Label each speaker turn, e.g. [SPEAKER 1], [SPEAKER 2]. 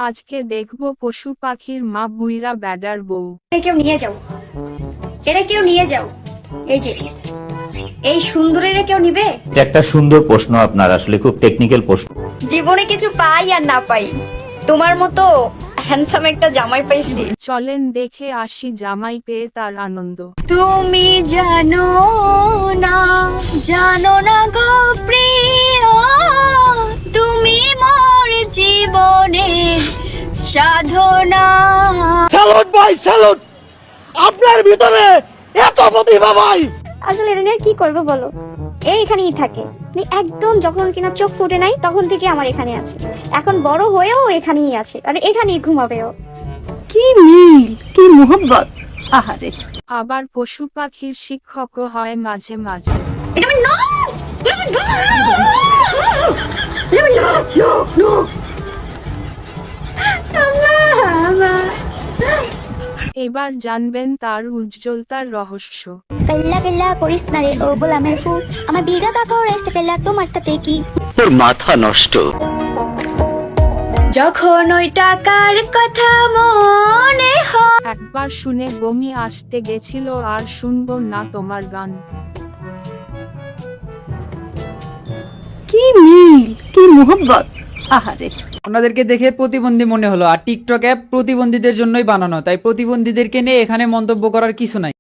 [SPEAKER 1] আজকে দেখবো পশু পাখির মা বুইরা ব্যাডার বউ।
[SPEAKER 2] কেউ নিয়ে যাও, এরা কেউ নিয়ে যাও। এই যে এই সুন্দরীরা কেউ নিবে?
[SPEAKER 3] এটা একটা সুন্দর প্রশ্ন, আপনার আসলে খুব টেকনিক্যাল প্রশ্ন।
[SPEAKER 2] জীবনে কিছু পাই আর না পাই, তোমার মতো হ্যান্ডসাম একটা জামাই পাইছি।
[SPEAKER 1] চলেন দেখে আসি জামাই পেয়ে তার আনন্দ।
[SPEAKER 2] তুমি জানো না, জানো না গো প্রিয়, তুমি মোর জীবনের সাধনা।
[SPEAKER 4] স্যালুট ভাই, স্যালুট! আপনার ভিতরে এত প্রতিভা ভাই!
[SPEAKER 5] আসলে এটা নিয়ে কি করবো বলো, এইখানেই থাকে। মানে একদম যখন কিনা চোখ ফুটে নাই তখন থেকে আমার এখানে আছে, এখন বড় হয়েও এখানেই আছে, আর এখানেই ঘুমাবেও।
[SPEAKER 6] কি মিল, কি মোহব্বত! আহারে,
[SPEAKER 1] আবার পশু পাখির শিক্ষকও হয় মাঝে মাঝে।
[SPEAKER 2] এটা আমার নখ! এটা আমার নখ! এটা আমার নখ, নখ, নখ!
[SPEAKER 1] এবার জানবেন তার উজ্জ্বলতার রহস্য।
[SPEAKER 5] পেল্লা পেল্লা করিস না রে ও গোলামের ফুল, আমার বিঘা কাকা রয়েছে পেল্লা, তোমার তাতে কি?
[SPEAKER 4] তোর মাথা নষ্ট।
[SPEAKER 2] যখন ওই টাকার কথা মনে হয়,
[SPEAKER 1] একবার শুনে বমি আসতে গেছিল, আর শুনবো না তোমার গান।
[SPEAKER 6] কি মিল, কি মোহব্বত! আহারে,
[SPEAKER 7] ওনাদেরকে দেখে প্রতিবন্ধী মনে হলো, আর টিকটক অ্যাপ প্রতিবন্ধীদের জন্যই বানানো, তাই প্রতিবন্ধীদেরকে নিয়ে এখানে মন্তব্য করার কিছু নাই।